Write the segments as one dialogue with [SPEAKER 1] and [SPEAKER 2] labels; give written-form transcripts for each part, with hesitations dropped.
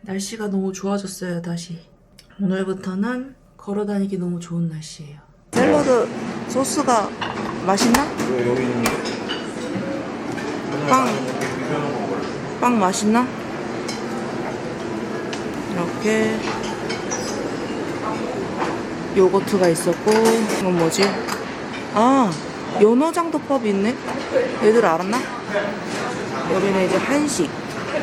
[SPEAKER 1] 날씨가 너무 좋아졌어요, 다시. 오늘부터는 걸어다니기 너무 좋은 날씨예요. 샐러드 소스가 맛있나?
[SPEAKER 2] 여기 있는데?
[SPEAKER 1] 빵 맛있나? 이렇게 요거트가 있었고, 이건 뭐지? 아, 연어장도밥이 있네? 얘들 알았나? 여기는 이제 한식.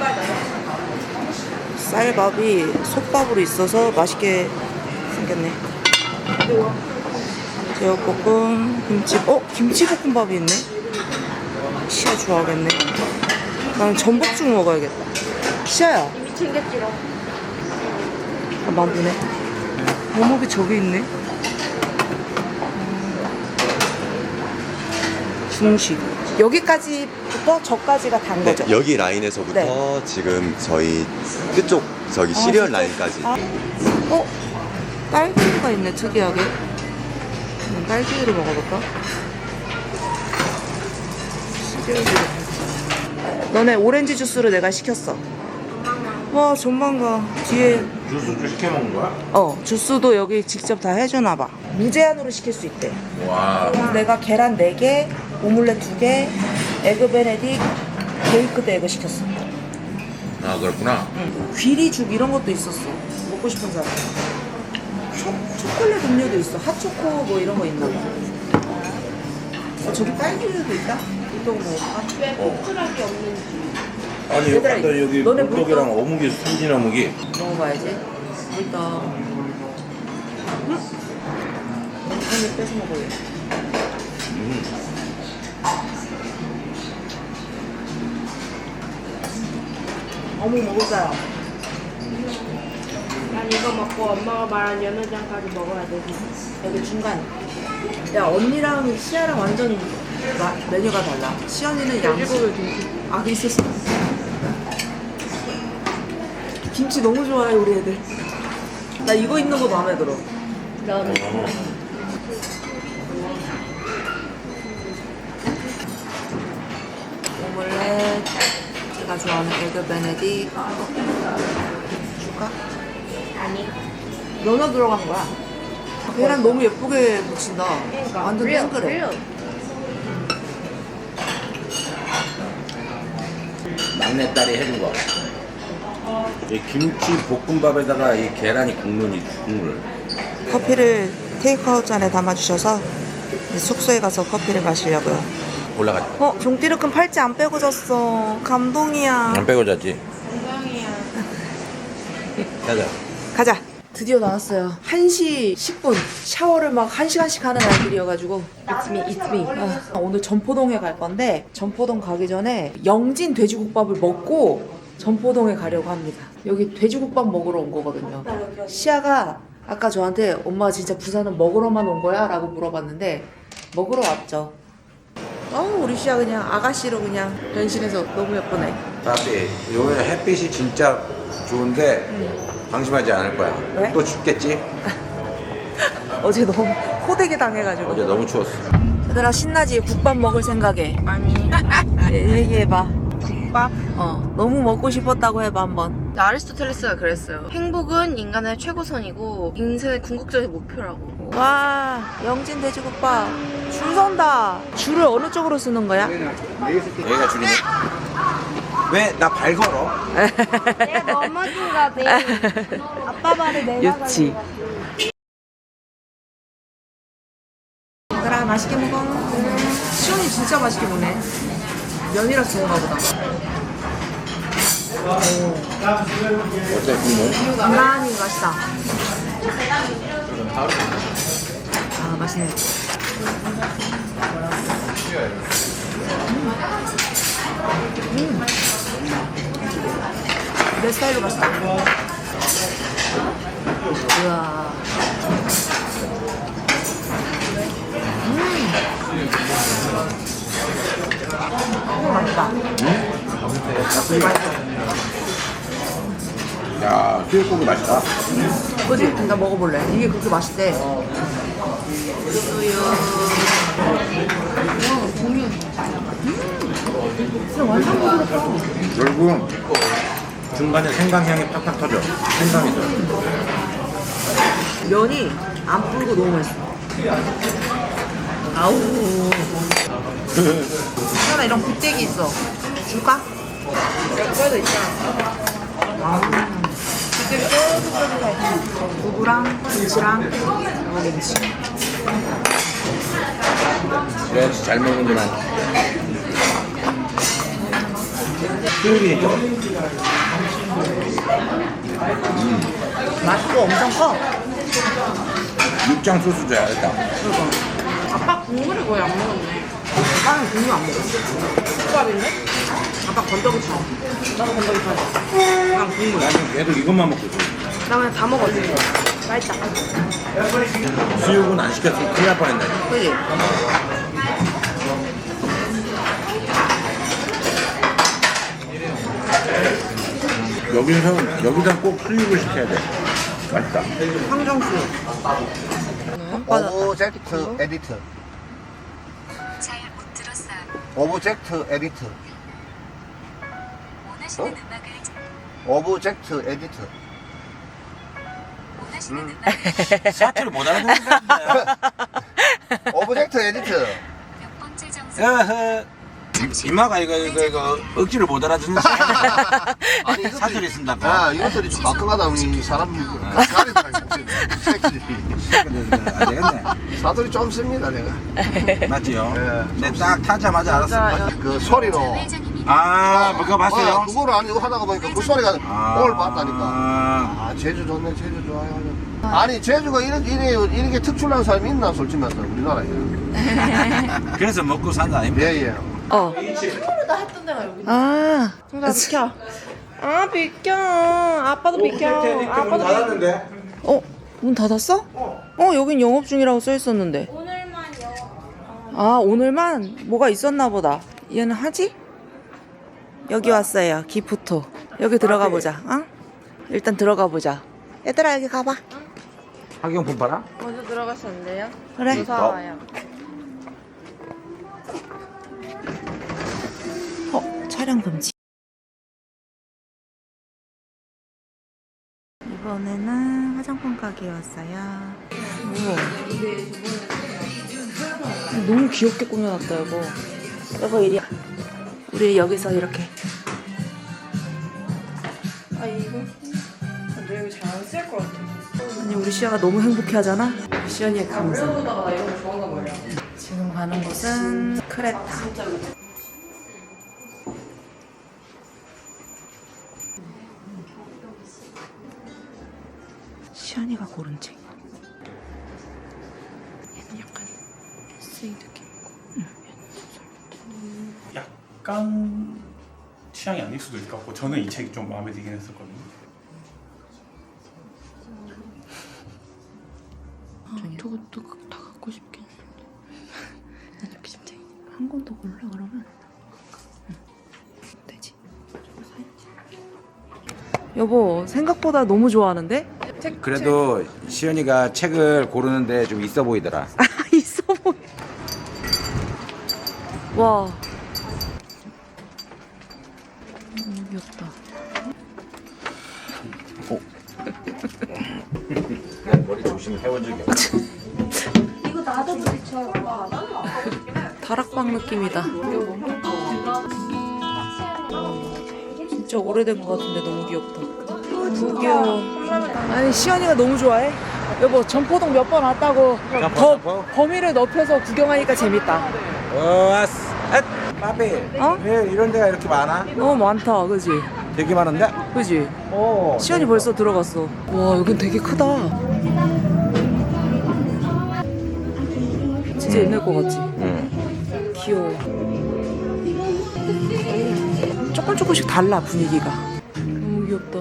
[SPEAKER 1] 쌀밥이 솥밥으로 있어서 맛있게 생겼네. 제육볶음, 김치볶음밥이 있네? 시아 좋아하겠네. 나는 전복죽 먹어야겠다. 시아야.
[SPEAKER 3] 이미 챙겼지롱.
[SPEAKER 1] 아, 만두네. 어묵이 저기 있네. 중식. 여기까지부터 저까지가 단 거죠?
[SPEAKER 4] 네, 여기 라인에서부터
[SPEAKER 1] 네.
[SPEAKER 4] 지금 저희 끝쪽 저기 시리얼 라인까지.
[SPEAKER 1] 딸기가 있네, 특이하게. 딸기를 먹어볼까? 시리얼. 너네 오렌지 주스를 내가 시켰어. 와, 전망가. 뒤에.
[SPEAKER 2] 주스 시켜 먹는 거야?
[SPEAKER 1] 주스도 여기 직접 다 해주나봐. 무제한으로 시킬 수 있대.
[SPEAKER 2] 와.
[SPEAKER 1] 그래서 내가 계란 4개, 오믈렛 2개, 에그 베네딕, 베이크드 에그 시켰어.
[SPEAKER 2] 아, 그렇구나.
[SPEAKER 1] 응. 귀리죽 이런 것도 있었어. 먹고 싶은 사람. 초콜릿 음료도 있어. 핫초코 뭐 이런 거 있나 봐. 저기 딸기우유도 있다? 이거 먹을까?
[SPEAKER 3] 왜 포크락이 없는지.
[SPEAKER 2] 아니,
[SPEAKER 1] 얘들아,
[SPEAKER 2] 아까 여기
[SPEAKER 1] 너네
[SPEAKER 2] 물떡이랑
[SPEAKER 1] 물떡.
[SPEAKER 2] 어묵이 순진 어묵이.
[SPEAKER 1] 먹어봐야지. 일단 한입 뺏어 먹어요. 어묵 먹을 사람.
[SPEAKER 3] 난 이거 먹고 엄마가 말한 연어장까지 먹어야 되지.
[SPEAKER 1] 여기 중간. 야, 언니랑 시아랑 완전 메뉴가 달라. 시연이는 양식을 김치. 아, 있었어. 김치 너무 좋아해, 우리 애들. 나 이거 있는 거 마음에 들어.
[SPEAKER 3] 넌
[SPEAKER 1] 오믈렛. 제가 좋아하는 에그 베네딕. 줄까?
[SPEAKER 3] 아니.
[SPEAKER 1] 연어 들어간 거야. 계란 너무 예쁘게 묻힌다.
[SPEAKER 3] 그러니까.
[SPEAKER 1] 완전 땡그래.
[SPEAKER 2] 막내딸이 해준 거. 이 김치 볶음밥에다가 이 계란이 굽는 이 국물.
[SPEAKER 1] 커피를 테이크아웃 잔에 담아주셔서 이제 숙소에 가서 커피를 마시려고요.
[SPEAKER 2] 올라가자.
[SPEAKER 1] 종띠르큰 팔찌 안 빼고 잤어. 감동이야.
[SPEAKER 2] 안 빼고 자지.
[SPEAKER 3] 건강이야.
[SPEAKER 2] 가자.
[SPEAKER 1] 가자. 드디어 나왔어요. 1시 10분. 샤워를 막 1시간씩 하는 아이들이어가지고. It's me, it's me. 오늘 전포동에 갈 건데, 전포동 가기 전에 영진 돼지국밥을 먹고 전포동에 가려고 합니다. 여기 돼지국밥 먹으러 온 거거든요. 시아가 아까 저한테 엄마 진짜 부산은 먹으러만 온 거야? 라고 물어봤는데, 먹으러 왔죠. 우리 시아 그냥 아가씨로 그냥 변신해서 너무 예쁘네.
[SPEAKER 2] 따비, 요번에 햇빛이 진짜 좋은데 방심하지 않을 거야.
[SPEAKER 1] 왜?
[SPEAKER 2] 또 춥겠지?
[SPEAKER 1] 어제 너무 호되게 당해가지고.
[SPEAKER 2] 어제 너무 추웠어.
[SPEAKER 1] 얘들아, 신나지? 국밥 먹을 생각에.
[SPEAKER 3] 아니.
[SPEAKER 1] 얘기해봐.
[SPEAKER 3] 국밥?
[SPEAKER 1] 너무 먹고 싶었다고 해봐, 한번.
[SPEAKER 3] 아리스토텔레스가 그랬어요. 행복은 인간의 최고선이고 인생의 궁극적인 목표라고.
[SPEAKER 1] 와, 영진 돼지국밥. 줄 선다. 줄을 어느 쪽으로 쓰는 거야?
[SPEAKER 2] 여기가 줄이네. 왜 나 발 걸어?
[SPEAKER 3] 내가 넘어진가 봐. 아빠 말을 내가
[SPEAKER 1] 유치. 얘들아, 맛있게 먹어. 시원이 진짜 맛있게 먹네. 면이라 좋은가 보다.
[SPEAKER 2] 어때, 국물?
[SPEAKER 1] 간간히 맛있다. 맛있네. 내 스타일로 맛있다. 우와. 맛있다. 맛있어.
[SPEAKER 2] 야, 수육고기 맛있다.
[SPEAKER 1] 그지? 나 먹어볼래. 이게 그렇게 맛있대. 수육.
[SPEAKER 2] 결국 중간에 생강향이 팍팍 터져. 생강이 들어.
[SPEAKER 1] 면이 안 불고 너무 맛있어. 아우. 하나 이런 굴대기 있어. 줄까? 여기도 있잖아. 두부랑 김치랑 김치.
[SPEAKER 2] 그래야지 잘 먹는구나. 수육이
[SPEAKER 1] 맛도 엄청 커.
[SPEAKER 2] 육장 소스 줘야 겠다.
[SPEAKER 3] 아빠 국물을 거의 안 먹었네.
[SPEAKER 1] 아빠는 국물 안 먹어. 국밥인데? 아빠 건더기 쳐. 나도 건더기 쳐. 그냥 국물.
[SPEAKER 2] 나는 얘도 이것만 먹고 있어.
[SPEAKER 3] 나 그냥 다 먹었지. 맛있다.
[SPEAKER 2] 수육은 안 시켰으면 큰일 날 뻔했네.
[SPEAKER 1] 그지?
[SPEAKER 2] 여기다 꼭 수육을 시켜야 돼. 맛있다.
[SPEAKER 1] 황정수.
[SPEAKER 5] 오브젝트 에디트.
[SPEAKER 6] 잘 못 들었어요.
[SPEAKER 5] 오브젝트 에디트.
[SPEAKER 6] 원하시는 음악을
[SPEAKER 5] 오브젝트 에디트.
[SPEAKER 6] 원하시는 음악을
[SPEAKER 2] 사투를 못 알아듣는다.
[SPEAKER 5] 오브젝트 에디트.
[SPEAKER 6] 몇 번째 정상
[SPEAKER 2] 이마가 이거 억지를 못 알아듣는
[SPEAKER 5] 아니 이것들이
[SPEAKER 2] 사투리 쓴다고.
[SPEAKER 5] 아 이것들이 좀 가끔하다 이 사람 가리다가 새끼들이
[SPEAKER 2] 안 되겠네.
[SPEAKER 5] 사투리 좀 씁니다 내가.
[SPEAKER 2] 맞지요?
[SPEAKER 5] 예.
[SPEAKER 2] 네, 딱 타자마자 알았어.
[SPEAKER 5] 그 소리로.
[SPEAKER 6] 회장님이
[SPEAKER 2] 아, 그거 봤어요?
[SPEAKER 5] 그거를 아니고 하다가 보니까 그 소리가 오늘 봤다니까.
[SPEAKER 2] 아,
[SPEAKER 5] 아 제주 좋네 제주 좋아요. 아니 제주가 이렇게 특출난 사람이 있나 솔직히 말해서 우리나라에.
[SPEAKER 2] 그래서 먹고 산다 아닙니까?
[SPEAKER 5] 예예.
[SPEAKER 1] 어. 아.
[SPEAKER 3] 정답 비켜. 아 비켜. 아빠도 비켜. 아빠도 비켜.
[SPEAKER 1] 어? 문 닫았어? 여긴 영업 중이라고 써 있었는데.
[SPEAKER 6] 오늘만요.
[SPEAKER 1] 아, 오늘만 뭐가 있었나 보다. 얘는 하지? 여기 왔어요. 기프토. 여기 들어가 보자. 어? 일단 들어가 보자. 얘들아, 여기 가봐.
[SPEAKER 2] 학용품 팔아?
[SPEAKER 3] 먼저 들어가셨는데요?
[SPEAKER 1] 그래.
[SPEAKER 3] 무서워요.
[SPEAKER 1] 촬영 금지. 이번에는 화장품 가게에 왔어요. 우와. 너무 귀엽게 꾸며놨다, 여보. 여보, 이리. 우리 여기서 이렇게.
[SPEAKER 3] 아 이거 근데 여기 잘 안 쓸 것 같아.
[SPEAKER 1] 아니, 우리 시아가 너무 행복해 하잖아? 시연이의 감성.
[SPEAKER 3] 보다가 나 이런 거 좋아한단 말이야.
[SPEAKER 1] 지금 가는 곳은 크레타. 시연이가 고른 책. 얘는 약간 에세이 느낌이고.
[SPEAKER 7] 약간 취향이 아닐 수도 있을 것 같고 저는 이 책이 좀 마음에 들긴 했었거든요.
[SPEAKER 1] 저것도 다 갖고 싶긴 한데. 난 이렇게 심장이 한 권 더 골라 그러면. 되지. 저거 사야지. 여보, 생각보다 너무 좋아하는데?
[SPEAKER 2] 그래도 시연이가 책을 고르는데 좀 있어 보이더라.
[SPEAKER 1] 아, 있어 보여. 와. 너무 귀엽다.
[SPEAKER 2] 머리 조심을 해본 적이 없어.
[SPEAKER 1] 다락방 느낌이다. 진짜 오래된 것 같은데 너무 귀엽다. 너무 귀여워. 아니, 시연이가 너무 좋아해. 여보, 전포동 몇 번 왔다고 더 범위를 넓혀서 구경하니까 재밌다.
[SPEAKER 2] 왔어. 빠삐.
[SPEAKER 1] 어?
[SPEAKER 2] 왜 이런 데가 이렇게 많아?
[SPEAKER 1] 너무 많다, 그지?
[SPEAKER 2] 되게 많은데?
[SPEAKER 1] 그지?
[SPEAKER 2] 오.
[SPEAKER 1] 시연이 벌써 들어갔어. 와, 여긴 되게 크다. 진짜 옛날 거 같지?
[SPEAKER 2] 응.
[SPEAKER 1] 귀여워. 조금씩 달라, 분위기가. 너무 귀엽다.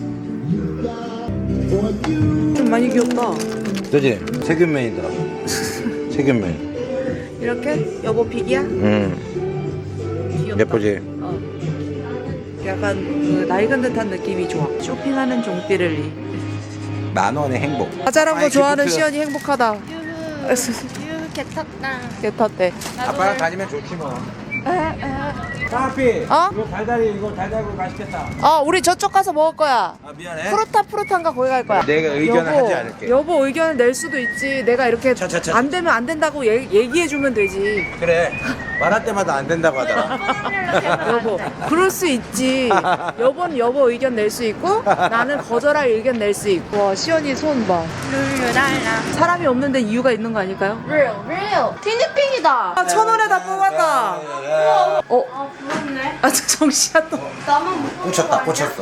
[SPEAKER 1] 좀 많이 귀엽다.
[SPEAKER 2] 그지? 세균맨이더라고. 세균맨.
[SPEAKER 1] 이렇게? 여보 픽이야?
[SPEAKER 2] 응.
[SPEAKER 1] 귀엽다.
[SPEAKER 2] 예쁘지?
[SPEAKER 1] 어. 약간 그 낡은 듯한 느낌이 좋아. 쇼핑하는 종띠를리.
[SPEAKER 2] 10,000원의 행복.
[SPEAKER 1] 과자란 거
[SPEAKER 2] 아이,
[SPEAKER 1] 좋아하는
[SPEAKER 2] 기프트.
[SPEAKER 1] 시연이 행복하다.
[SPEAKER 3] 유후 개 탔다.
[SPEAKER 1] 개 탔대.
[SPEAKER 2] 아빠랑 다니면 좋지 뭐.
[SPEAKER 8] 파피.
[SPEAKER 1] 어?
[SPEAKER 8] 이거 달달이 맛있겠다.
[SPEAKER 1] 우리 저쪽 가서 먹을 거야.
[SPEAKER 8] 아 미안해.
[SPEAKER 1] 프로탄가 거기 갈 거야.
[SPEAKER 8] 내가 의견을 하지 않을게.
[SPEAKER 1] 여보 의견을 낼 수도 있지. 내가 이렇게
[SPEAKER 8] 차.
[SPEAKER 1] 안 되면 안 된다고 얘기해주면 되지.
[SPEAKER 8] 그래. 말할 때마다 안 된다고 하더라.
[SPEAKER 1] 여보 그럴 수 있지. 여보는 여보 의견 낼 수 있고 나는 거절할 의견 낼 수 있고. 와 시연이 손 봐.
[SPEAKER 3] 룰루랄라.
[SPEAKER 1] 사람이 없는데 이유가 있는 거 아닐까요?
[SPEAKER 3] real. 티니핑이다.
[SPEAKER 1] 1,000원에 다 뽑았다.
[SPEAKER 3] 아 부럽네.
[SPEAKER 1] 정시야 또.
[SPEAKER 3] 나만 못
[SPEAKER 8] 꽂혔다. 꽂혔어.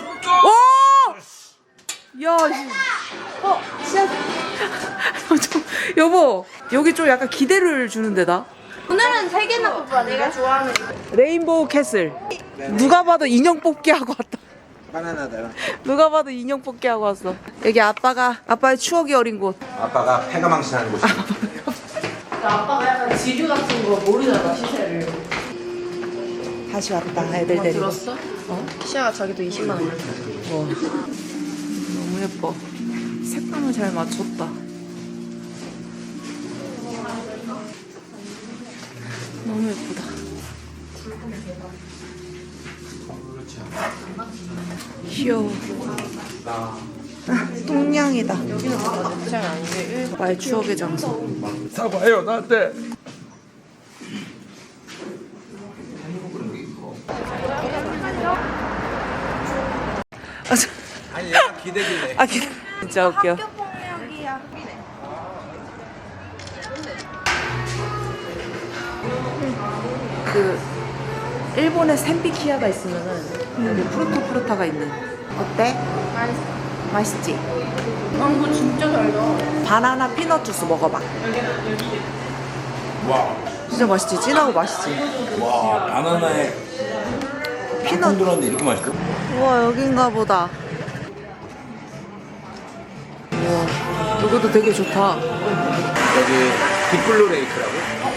[SPEAKER 1] 오! 야, 시야. 여보, 여기 좀 약간 기대를 주는 데다.
[SPEAKER 3] 오늘은 3개나 뽑아. 내가 좋아하는 거.
[SPEAKER 1] 레인보우 캐슬. 누가 봐도 인형 뽑기 하고 왔다.
[SPEAKER 8] 바나나다.
[SPEAKER 1] 누가 봐도 인형 뽑기 하고 왔어. 여기 아빠의 추억이 어린 곳.
[SPEAKER 8] 아빠가 패가 망신하는 곳이.
[SPEAKER 3] 아빠가 약간 지류 같은 거 모르잖아, 시세를.
[SPEAKER 1] 다시 왔다, 애들 데리고.
[SPEAKER 3] 들었어? 시아가 자기도 20만 원.
[SPEAKER 1] 와, 너무 예뻐. 색감을 잘 맞췄다. 너무 예쁘다. 귀여워. 똥냥이다. 나의 추억의 장소.
[SPEAKER 8] 사과해요 나한테. 아니 얘가 기대길래.
[SPEAKER 1] 진짜 웃겨. 그 일본에 샌비키아가 있으면은 여기 프루타가 있는. 어때? 맛있지?
[SPEAKER 3] 이거 진짜 달다.
[SPEAKER 1] 바나나 피넛 주스 먹어봐.
[SPEAKER 2] 와,
[SPEAKER 1] 진짜 맛있지? 진하고 맛있지?
[SPEAKER 2] 와, 바나나에
[SPEAKER 1] 피넛.
[SPEAKER 2] 들었는데 이렇게 맛있어?
[SPEAKER 1] 우와 여긴가 보다. 우와 이것도 되게 좋다.
[SPEAKER 8] 여기 빅블루 레이크라고?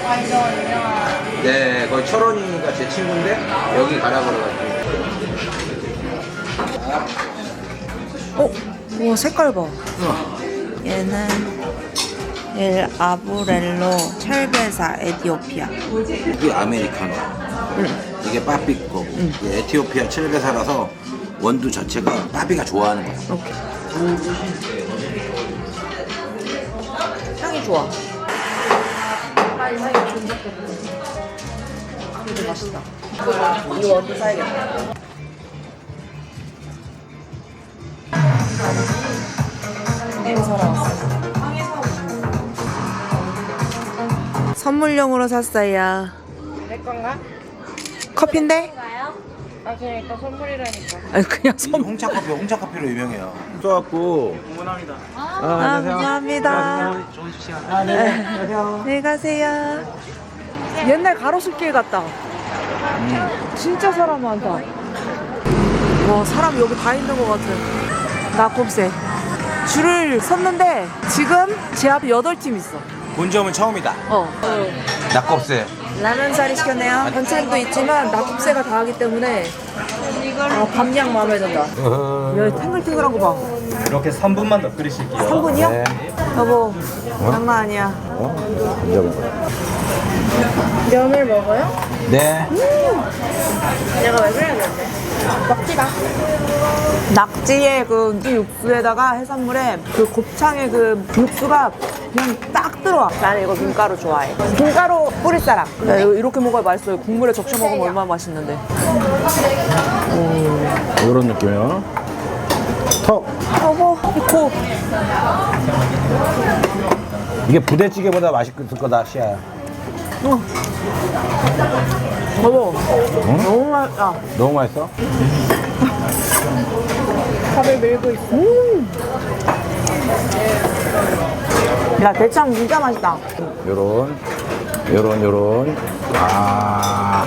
[SPEAKER 8] 네, 거기 철원이가 제 친구인데 여기 가라고 그래가지고.
[SPEAKER 1] 우와 색깔 봐. 얘는 엘 아브렐로 철배사 에티오피아.
[SPEAKER 2] 이게 아메리카노. 이게 빠삐 거고. 이게 에티오피아 칠베사라서 원두 자체가 빠삐가 좋아하는 거야.
[SPEAKER 1] 오케이. 향이 좋아. 되게 맛있다. 이 원두 사야겠다. 이거 사러 왔어. 선물용으로 샀어요.
[SPEAKER 3] 내 건가?
[SPEAKER 1] 커피인데?
[SPEAKER 3] 아 그냥 일단 선물이라니까.
[SPEAKER 1] 아니 그냥 선물.
[SPEAKER 2] 홍차 커피로 유명해요.
[SPEAKER 8] 써갖고.
[SPEAKER 1] 감사합니다. 안녕히 가세요. 옛날 가로수길 같다. 진짜 사람 많다. 와 사람 여기 다 있는 것 같아. 낙곱새. 줄을 섰는데 지금 제 앞에 8팀 있어.
[SPEAKER 8] 본 점은 처음이다. 낙곱새.
[SPEAKER 1] 라면사리 시켰네요. 반찬도 있지만 낙곱새가 다 하기 때문에 밤양 마음에 든다. 야 탱글탱글한 거 봐.
[SPEAKER 7] 이렇게 3분만 더 끓이실게요.
[SPEAKER 1] 3분이요? 여보 장난 아니야.
[SPEAKER 3] 면을 먹어요?
[SPEAKER 8] 네.
[SPEAKER 3] 내가 왜 그랬는데? 먹지마.
[SPEAKER 1] 낙지의 그 육수에다가 해산물에 그 곱창의 그 육수가 그냥 딱 들어와. 나는 이거 김가루 좋아해. 김가루 뿌릴 사람. 야, 이거 이렇게 먹어야 맛있어요. 국물에 적셔 먹으면 얼마나 맛있는데.
[SPEAKER 8] 이런 느낌이요. 턱.
[SPEAKER 1] 여보, 코.
[SPEAKER 8] 이게 부대찌개보다 맛있을 거다, 시아야.
[SPEAKER 1] 여보, 너무 맛있다.
[SPEAKER 8] 너무 맛있어?
[SPEAKER 1] 밥을 밀고 있어. 야, 대창 진짜 맛있다.
[SPEAKER 8] 요런. 아.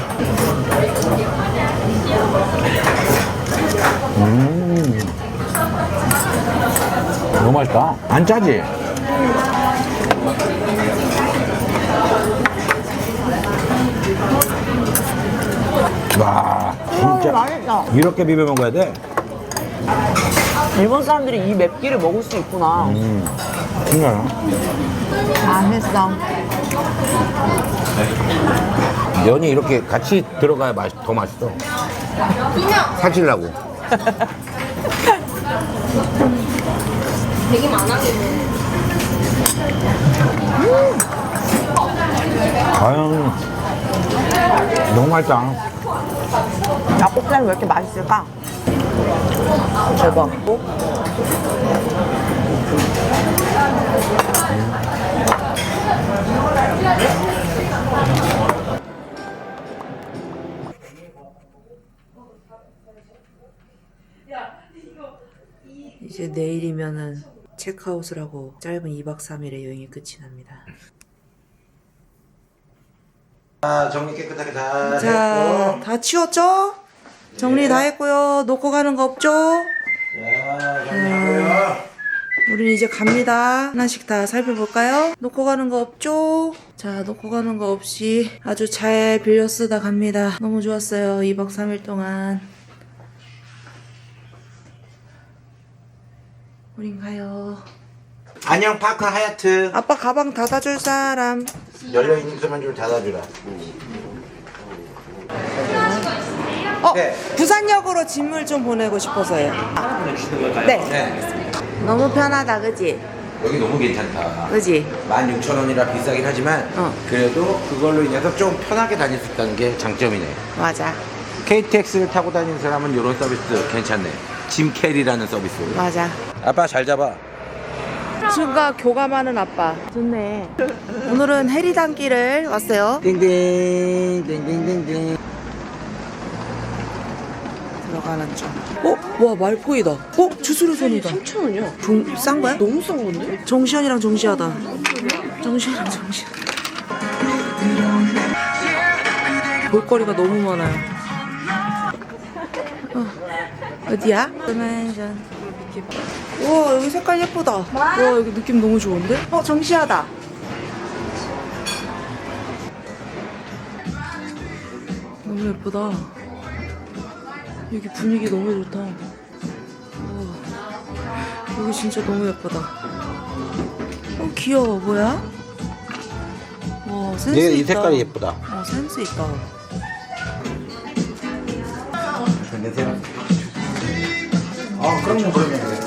[SPEAKER 8] 너무 맛있다. 안 짜지? 와, 진짜.
[SPEAKER 1] 맛있다.
[SPEAKER 8] 이렇게 비벼 먹어야 돼?
[SPEAKER 1] 일본 사람들이 이 맵기를 먹을 수 있구나.
[SPEAKER 8] 신기하다.
[SPEAKER 1] 맛있어.
[SPEAKER 2] 면이 이렇게 같이 들어가야 더 맛있어. 사질라고.
[SPEAKER 3] 되게 많아지네.
[SPEAKER 2] 아유, 너무 맛있다.
[SPEAKER 1] 닭볶음탕이 왜 이렇게 맛있을까? 대박. 이제 내일이면은 체크아웃을 하고 짧은 2박 3일의 여행이 끝이 납니다.
[SPEAKER 2] 자, 정리 깨끗하게 다
[SPEAKER 1] 자, 다 치웠죠? 정리 다 했고요. 놓고 가는 거 없죠?
[SPEAKER 2] 자, 정리하고요.
[SPEAKER 1] 우린 이제 갑니다. 하나씩 다 살펴볼까요? 놓고 가는 거 없죠? 자, 놓고 가는 거 없이 아주 잘 빌려 쓰다 갑니다. 너무 좋았어요. 2박 3일 동안. 우린 가요.
[SPEAKER 2] 안녕, 파크 하얏트.
[SPEAKER 1] 아빠 가방 닫아줄 사람.
[SPEAKER 2] 열려있는 것만 좀 닫아주라. 네.
[SPEAKER 1] 부산역으로 짐을 좀 보내고 싶어서요. 네.
[SPEAKER 2] 네.
[SPEAKER 1] 너무 편하다, 그지?
[SPEAKER 2] 여기 너무 괜찮다.
[SPEAKER 1] 그지?
[SPEAKER 2] 16,000원이라 비싸긴 하지만 그래도 그걸로 인해서 좀 편하게 다닐 수 있다는 게 장점이네.
[SPEAKER 1] 맞아.
[SPEAKER 2] KTX를 타고 다니는 사람은 이런 서비스 괜찮네. 짐 캐리라는 서비스.
[SPEAKER 1] 맞아.
[SPEAKER 2] 아빠 잘 잡아.
[SPEAKER 1] 순간 교감하는 아빠. 좋네. 오늘은 해리단길을 왔어요.
[SPEAKER 2] 띵띵 띵띵띵띵.
[SPEAKER 1] 들어가는 중. 와 말포이다. 주스루손이다. 3,000원이야. 싼 거야? 너무 싼 건데? 정시현이랑 정시하다. 정시현이랑 정시하다. 볼거리가 너무 많아요. 어디야? 우와 여기 색깔 예쁘다. 와 여기 느낌 너무 좋은데? 정시하다. 너무 예쁘다. 여기 분위기 너무 좋다. 우와, 여기 진짜 너무 예쁘다. 귀여워. 뭐야? 와 센스 있다.
[SPEAKER 2] 이 색깔이 예쁘다.
[SPEAKER 1] 센스 있다.
[SPEAKER 2] 안녕하세요. 그럼 그러면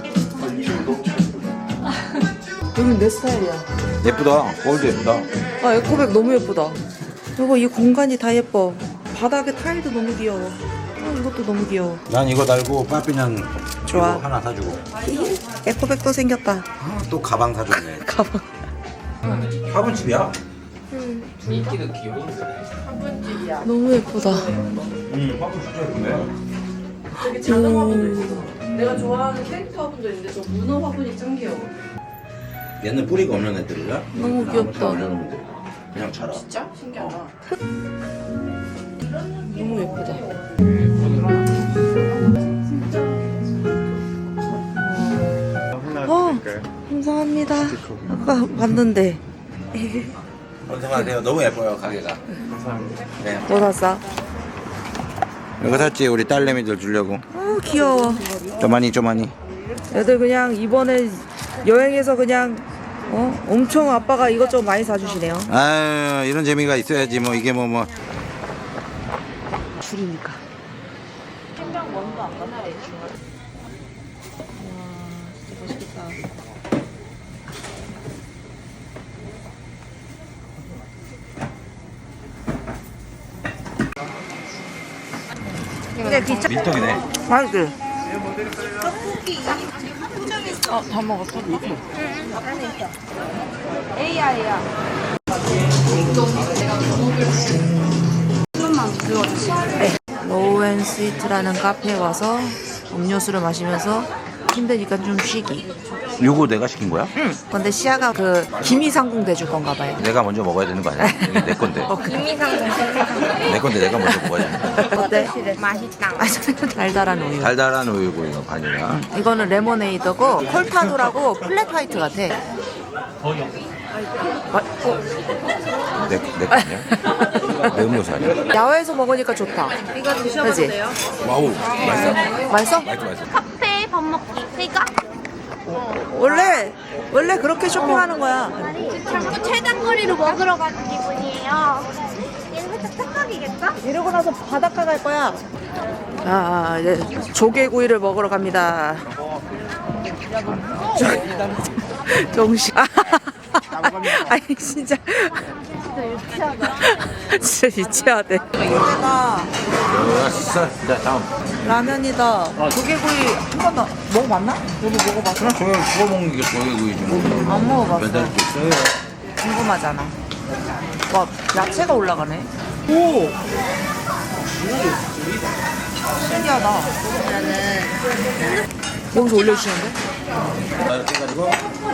[SPEAKER 1] 여긴 내 스타일이야.
[SPEAKER 2] 예쁘다. 골드 예쁘다.
[SPEAKER 1] 에코백 너무 예쁘다. 여보 이 공간이 다 예뻐. 바닥에 타일도 너무 귀여워. 이것도 너무 귀여워.
[SPEAKER 2] 난 이거 달고 빠삐는
[SPEAKER 1] 좋아.
[SPEAKER 2] 이거 하나 사주고.
[SPEAKER 1] 에코백도 생겼다.
[SPEAKER 2] 또 가방 사줬네.
[SPEAKER 1] 가방.
[SPEAKER 2] 화분집이야?
[SPEAKER 1] 너무 예쁘다.
[SPEAKER 2] 화분 진짜 예쁘네.
[SPEAKER 3] 되게 작은 화분도 있어. 내가 좋아하는 캐릭터 화분도 있는데 저 문어 화분이 짱 귀여워.
[SPEAKER 2] 얘는 뿌리가 없는 애들이라?
[SPEAKER 1] 너무 귀엽다.
[SPEAKER 2] 그냥 자라.
[SPEAKER 3] 진짜? 신기하다.
[SPEAKER 1] 너무 예쁘다. 감사합니다. 아까 봤는데.
[SPEAKER 2] 감사하세요. 너무 예뻐요 가게가. 감사합니다. 네.
[SPEAKER 1] 뭐 샀어?
[SPEAKER 2] 이거 샀지 우리 딸내미들 주려고.
[SPEAKER 1] 귀여워.
[SPEAKER 2] 쪼마니.
[SPEAKER 1] 애들 그냥 이번에 여행에서 그냥 엄청 아빠가 이것저것 많이 사주시네요.
[SPEAKER 2] 아유 이런 재미가 있어야지 뭐 이게 뭐.
[SPEAKER 1] 줄이니까.
[SPEAKER 2] 밀떡이네.
[SPEAKER 1] 맛있지?
[SPEAKER 3] 다 먹었어?
[SPEAKER 1] 로우 앤 스위트라는 카페에 와서 음료수를 마시면서 힘드니까 좀 쉬기.
[SPEAKER 2] 요거 내가 시킨 거야?
[SPEAKER 1] 근데 시아가 그 기미상궁 대줄 건가 봐요.
[SPEAKER 2] 내가 먼저 먹어야 되는 거 아니야? 이게 내 건데. 내 건데 내가 먼저 먹어야 돼.
[SPEAKER 1] 어때? 맛있다. 달달한 우유.
[SPEAKER 2] 달달한 우유고 이거 바닐라.
[SPEAKER 1] 이거는 레모네이드고 콜파도라고 플랫 화이트 같아.
[SPEAKER 2] 내 거 아니야? 내 음료수 아니야?
[SPEAKER 1] 야외에서 먹으니까 좋다.
[SPEAKER 3] 이거 드셔보세요.
[SPEAKER 2] 와우 맛있어?
[SPEAKER 1] 맛있어?
[SPEAKER 2] 맛있어.
[SPEAKER 6] 카페 밥 먹기. 그러니까
[SPEAKER 1] 원래 그렇게 쇼핑하는 거야.
[SPEAKER 6] 자꾸 최단거리로 먹으러 가는 기분이에요. 얘는 살짝 땡기겠죠?
[SPEAKER 1] 이러고 나서 바닷가 갈 거야. 이제 조개구이를 먹으러 갑니다. 정신. 아니 진짜. 진짜 유치하대. 이거가
[SPEAKER 2] 좋았어. 자, 다음.
[SPEAKER 1] 라면이다. 조개구이 한 번도 먹어봤나? 너도 먹어봤어?
[SPEAKER 2] 조개 구워 먹는 게 조개구이지 뭐.
[SPEAKER 1] 안 먹어봤어.
[SPEAKER 2] 별다를 게 있어요.
[SPEAKER 1] 궁금하잖아. 와, 야채가 올라가네. 오! 신기하다. 여기서 올려주시는데?
[SPEAKER 2] 이렇게 해가지고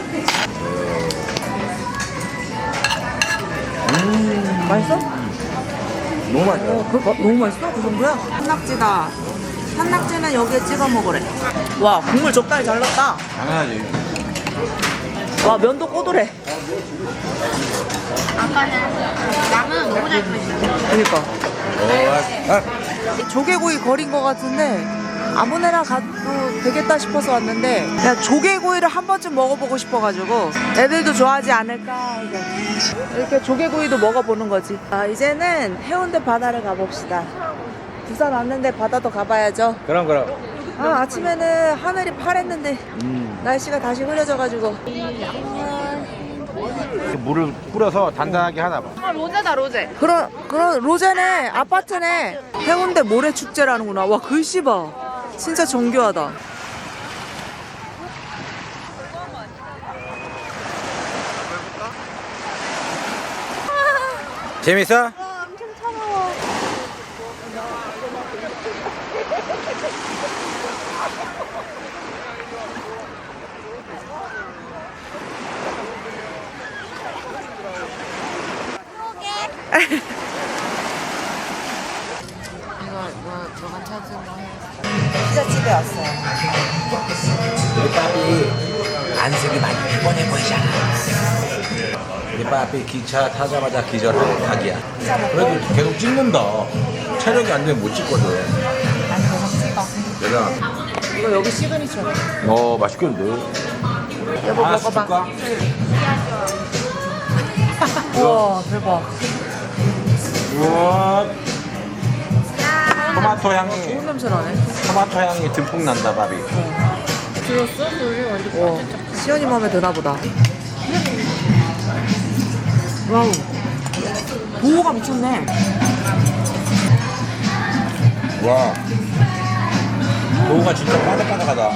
[SPEAKER 1] 맛있어?
[SPEAKER 2] 너무 맛있어.
[SPEAKER 1] 너무 맛있어? 그 정도야? 산낙지다. 산낙지는 여기에 찍어 먹으래. 와, 국물 적당히 잘 넣었다.
[SPEAKER 2] 당연하지.
[SPEAKER 1] 와, 면도 꼬들해.
[SPEAKER 6] 아까는 라면 너무 잘 끓였어요.
[SPEAKER 1] 그니까.
[SPEAKER 2] 좋았어.
[SPEAKER 1] 조개구이 거린 것 같은데 아무데나 가도 되겠다 싶어서 왔는데 그냥 조개구이를 한 번쯤 먹어보고 싶어가지고 애들도 좋아하지 않을까 이제 이렇게 조개구이도 먹어보는 거지. 이제는 해운대 바다를 가봅시다. 부산 왔는데 바다도 가봐야죠.
[SPEAKER 8] 그럼.
[SPEAKER 1] 아침에는 하늘이 파랬는데 날씨가 다시 흐려져가지고.
[SPEAKER 8] 물을 뿌려서 단단하게 하나 봐.
[SPEAKER 3] 로제다 로제.
[SPEAKER 1] 그런 로제네. 아파트네. 해운대 모래축제라는구나. 와, 글씨 봐. 진짜 정교하다.
[SPEAKER 8] 재밌어?
[SPEAKER 3] 너가 찾은 거 해.
[SPEAKER 1] 피자집에 왔어요.
[SPEAKER 2] 우리 빠삐 안색이 많이 피곤해 보이잖아. 우리 빠삐 기차 타자마자 기절할 각이야. 그래도 계속 찍는다. 체력이 안 되면 못 찍거든.
[SPEAKER 1] 아니, 계속 찍어.
[SPEAKER 2] 내가
[SPEAKER 1] 이거 여기 시그니처네.
[SPEAKER 2] 맛있겠는데.
[SPEAKER 1] 여보
[SPEAKER 2] 하나씩
[SPEAKER 1] 먹어봐.
[SPEAKER 2] 줄까?
[SPEAKER 1] 우와, 대박.
[SPEAKER 2] 우와. 토마토 향이
[SPEAKER 1] 좋은 냄새 나네.
[SPEAKER 2] 토마토 향이 듬뿍 난다 밥이.
[SPEAKER 3] 들었어? 소리 완전
[SPEAKER 1] 와, 시연이 마음에 드나 보다. 와우. 보호가 미쳤네.
[SPEAKER 2] 와. 도우가 진짜 바삭바삭하다.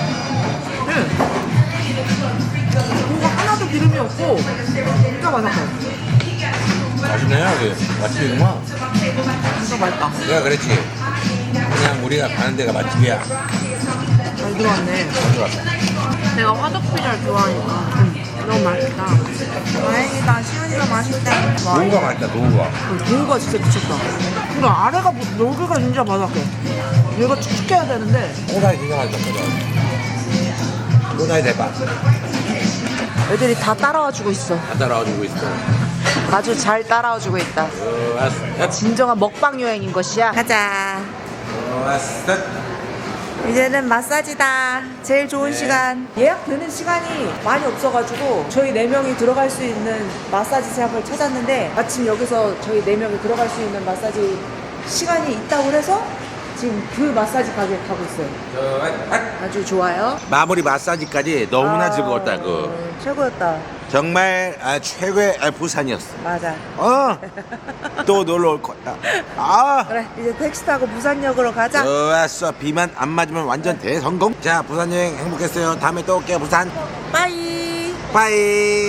[SPEAKER 1] 보호가 하나도 기름이 없고 진짜 바삭해.
[SPEAKER 2] 맛있네 여기. 맛집이구만.
[SPEAKER 1] 진짜 맛있다.
[SPEAKER 2] 내가 그랬지. 그냥 우리가 가는 데가 맛집이야.
[SPEAKER 1] 잘 들어왔네.
[SPEAKER 3] 내가 화덕 피자를 좋아하니까. 너무 맛있다.
[SPEAKER 1] 다행이다. 시연이가 맛있대.
[SPEAKER 2] 도우가 맛있다 도우가.
[SPEAKER 1] 보호가 진짜 미쳤다. 그래, 아래가 여기가 진짜 바삭해. 얘가 축축해야 되는데
[SPEAKER 2] 꼬다리 진짜 맛있다 꼬다리. 꼬다리 대박.
[SPEAKER 1] 애들이 다 따라와주고 있어.
[SPEAKER 2] 다 따라와주고 있어.
[SPEAKER 1] 아주 잘 따라와주고 있다.
[SPEAKER 2] 좋았어.
[SPEAKER 1] 진정한 먹방 여행인 것이야. 가자.
[SPEAKER 2] 좋았어.
[SPEAKER 1] 이제는 마사지다. 제일 좋은 시간. 예약되는 시간이 많이 없어가지고 저희 4명이 들어갈 수 있는 마사지 샵을 찾았는데 마침 여기서 저희 4명이 들어갈 수 있는 마사지 시간이 있다고 해서 지금 그 마사지 가게에 가고 있어요. 아주 좋아요.
[SPEAKER 2] 마무리 마사지까지 너무나 즐거웠다 그.
[SPEAKER 1] 최고였다.
[SPEAKER 2] 정말 최고의 부산이었어.
[SPEAKER 1] 맞아.
[SPEAKER 2] 또 놀러 올 거야. 아.
[SPEAKER 1] 그래, 이제 택시 타고 부산역으로 가자.
[SPEAKER 2] 좋았어. 비만 안 맞으면 완전 대성공. 자 부산 여행 행복했어요. 다음에 또 올게요 부산.
[SPEAKER 1] 빠이.
[SPEAKER 2] 빠이.